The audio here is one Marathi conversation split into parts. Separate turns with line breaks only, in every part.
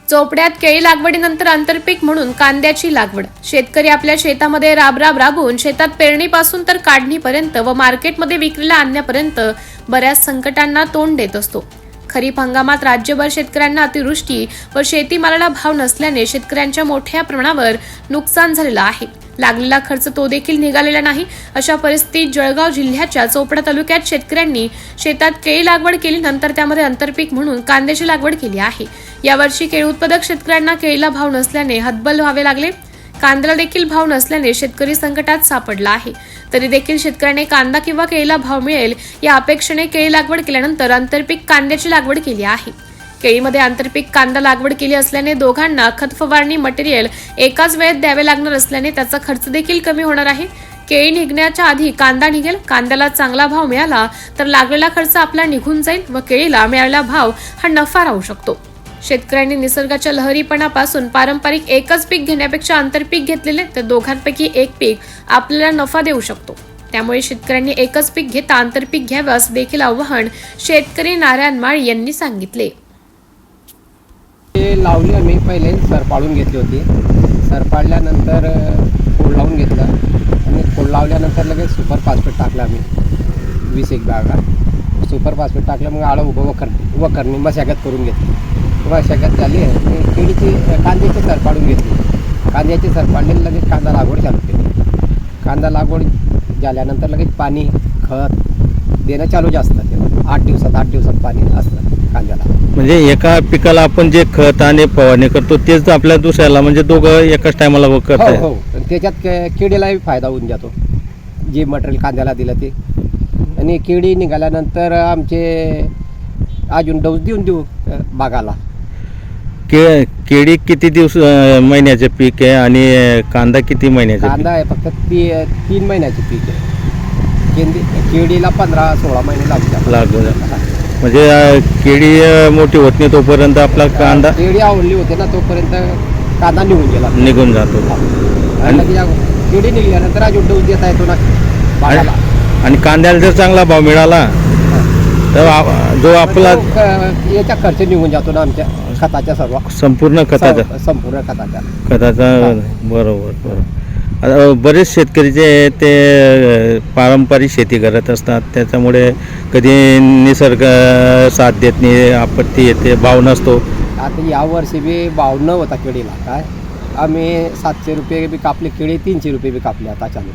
चोपड्यात केळी लागवडीनंतर आंतरपीक म्हणून कांद्याची लागवड. शेतकरी आपल्या शेतामध्ये राबून शेतात पेरणीपासून तर काढणीपर्यंत व मार्केटमध्ये विक्रीला आणण्यापर्यंत बऱ्याच संकटांना तोंड देत असतो. खरीप हंगामात राज्यभर शेतकऱ्यांना अतिवृष्टी व शेतीमालाला भाव नसल्याने शेतकऱ्यांच्या मोठ्या प्रमाणावर नुकसान झालेलं आहे. लागलेला खर्च तो देखील निघालेला नाही. अशा परिस्थितीत जळगाव जिल्ह्याच्या चोपडा तालुक्यात शेतकऱ्यांनी शेतात केळी लागवड केली, नंतर त्यामध्ये आंतरपीक म्हणून कांद्याची लागवड केली आहे. यावर्षी केळी उत्पादक शेतकऱ्यांना केळीला भाव नसल्याने हतबल व्हावे लागले. कांद्याला देखील भाव नसल्याने शेतकरी संकटात सापडला आहे. तरी देखील शेतकऱ्याने कांदा किंवा केळीला भाव मिळेल या अपेक्षेने केळी लागवड केल्यानंतर आंतरपीक कांद्याची लागवड केली आहे. केळीमध्ये आंतरपीक कांदा लागवड केली असल्याने दोघांना खत फवारणी मटेरियल एकाच वेळेत द्यावे लागणार असल्याने त्याचा खर्च देखील कमी होणार आहे. केळी निघण्याच्या आधी कांदा निघेल. कांद्याला चांगला भाव मिळाला तर लागलेला खर्च आपला निघून जाईल व केळीला मिळालेला भाव हा नफा राहू शकतो. शेतकऱ्यांनी निसर्गाच्या लहरीपणापासून पारंपरिक एकच पीक घेण्यापेक्षा आंतरपीक घेतलेले तर दोघांपैकी एक पीक आपल्याला नफा देऊ शकतो. त्यामुळे शेतकऱ्यांनी एकच पीक घेता आंतरपीक घ्यावं असं देखील आवाहन शेतकरी नारायण माळी यांनी सांगितले.
लावली आम्ही पहिले सर पाडून घेतली होती. सर पाडल्यानंतर खोड लावून घेतलं आणि खोड लावल्यानंतर लगेच सुपर फॉस्फेट टाकलं आम्ही 20 बॅगा. सुपर फॉस्फेट टाकलं, मग आळं उभं वखरणी मशागत करून घेतली. मशागत झाली आणि केळीची कांद्याची सर पाडून घेतली. कांद्याची सर पाडलेली लगेच कांदा लागवड चालू केली. कांदा लागवड झाल्यानंतर लगेच पाणी खत देणं चालू असतं. 8 दिवसात पाणी असतं कांद्याला.
म्हणजे एका पिकाला आपण जे खत आणि फवारणी करतो तेच आपल्या दुसऱ्याला, म्हणजे दोघं एकाच टायमाला करतात.
हो, त्याच्यात केळीलाही फायदा होऊन जातो. जे मटेरियल कांद्याला दिलं ते. आणि केळी निघाल्यानंतर आमचे अजून डोस देऊ बागाला.
केळी किती महिन्याचे पीक आहे आणि कांदा किती महिन्याचे?
कांदा आहे फक्त 3 महिन्याचे पीक आहे. केळीला 15-16 महिने लागतात.
म्हणजे केळी मोठी होत नाही तोपर्यंत आपला कांदा,
केळी आवडली होते ना तोपर्यंत कांदा निघून जातो. आणि केळी निघाल्यानंतर अजून डोस देता येतो ना बागाला.
आणि कांद्याला जर चांगला भाव मिळाला तर जो आपला
याचा खर्च निघून जातो ना आमच्या खताच्या
संपूर्ण खताचा. बरोबर. आता बरेच शेतकरी जे ते पारंपरिक शेती करत असतात, त्याच्यामुळे कधी निसर्ग साथ देत नाही, आपत्ती येते, भाव नसतो.
आता यावर्षी बी भाव न होता केळीला. काय आम्ही 700 रुपये बी कापले केळी, 300 रुपये बी कापले.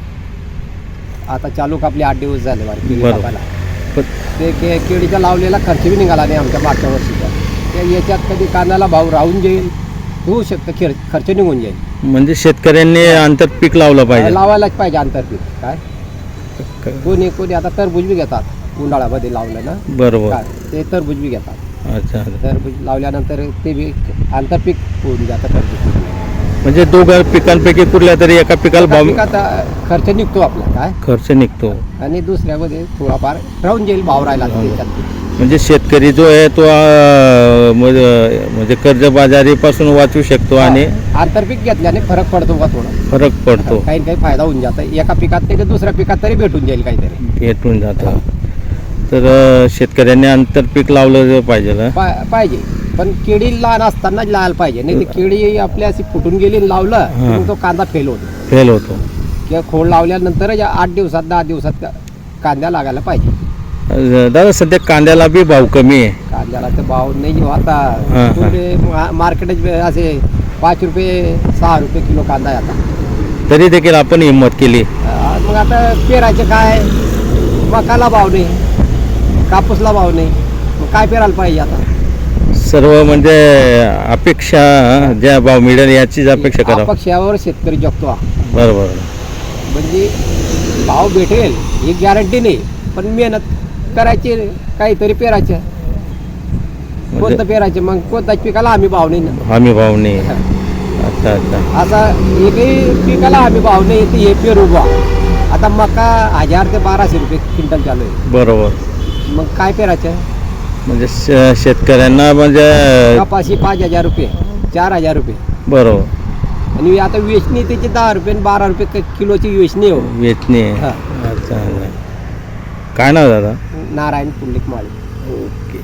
आता चालू कापले 8 दिवस झाले कापायला. ते केळीचा लावलेला खर्च बी निघाला नाही आमच्या मागच्या वर्षीचा. याच्यात कधी कांद्याला भाव राहून जाईल, होऊ शकतं खर्च निघून जाईल.
म्हणजे शेतकऱ्यांनी आंतरपीक लावलं पाहिजे,
लावायलाच पाहिजे आंतरपीक. काय कोणी आता टरबूज बी घेतात उन्हाळ्यामध्ये लावलं ना.
बरोबर.
ते टरबूज बी घेतात.
अच्छा.
टरबूज लावल्यानंतर ते बी आंतरपीक होऊन जातं. टरबूज
म्हणजे दोघं पिकांपैकी कुठल्या तरी एका पिकाला भाव,
खर्च निघतो आपला. काय
खर्च निघतो
आणि दुसऱ्यामध्ये थोडाफार राहून जाईल भाव राहिला.
म्हणजे शेतकरी जो आहे तो म्हणजे कर्जबाजारीपासून वाचू शकतो. आणि
आंतरपीक घेतल्याने फरक पडतो का? थोडा फरक
पडतो.
काही फायदा होऊन जातं. एका पिकात नाही तर दुसऱ्या पिकात तरी भेटून जाईल काहीतरी.
भेटून जातं. तर शेतकऱ्यांनी आंतरपीक लावलं
पाहिजे. पण केळी लहान असतानाच लावायला पाहिजे. नाही तर केळी आपल्या अशी फुटून गेली लावलं मग तो कांदा फेल होतो. किंवा खोड लावल्यानंतर 8 दिवसात 10 दिवसात कांद्या लागायला पाहिजे.
दादा सध्या कांद्याला बी भाव कमी आहे.
कांद्याला तर भाव नाही आता. मार्केट असे 5 रुपये 6 रुपये किलो कांदा आहे आता.
तरी देखील आपण हिंमत केली.
मग आता पेरायचे काय, मकाला भाव नाही, कापूसला भाव नाही, मग काय पेरायला पाहिजे आता.
सर्व म्हणजे अपेक्षा ज्या भाव मिळेल याचीच अपेक्षा करा.
अपेक्षावर शेतकरी जगतो.
बरोबर.
म्हणजे भाव भेटेल ही गॅरंटी नाही, पण मेहनत करायची, काहीतरी पेरायचं. कोणतं पेरायचं मग कोणत्याच पिकाला आम्ही भाव नाही. अच्छा. आता एकही पिकाला आम्ही भाव नाही येते. हे पेरू बा आता मका 1000 ते 1200 रुपये क्विंटल चालू आहे.
बरोबर.
मग काय पेरायचं?
म्हणजे शेतकऱ्यांना म्हणजे
कपाशी 5000 रुपये 4000 रुपये.
बरोबर.
आणि आता वेचणी त्याची 10 रुपये 12 रुपये किलोची वेचणी हो.
वेचणी. अच्छा. काय नाव दादा?
नारायण पुंडलिक माळी.
ओके.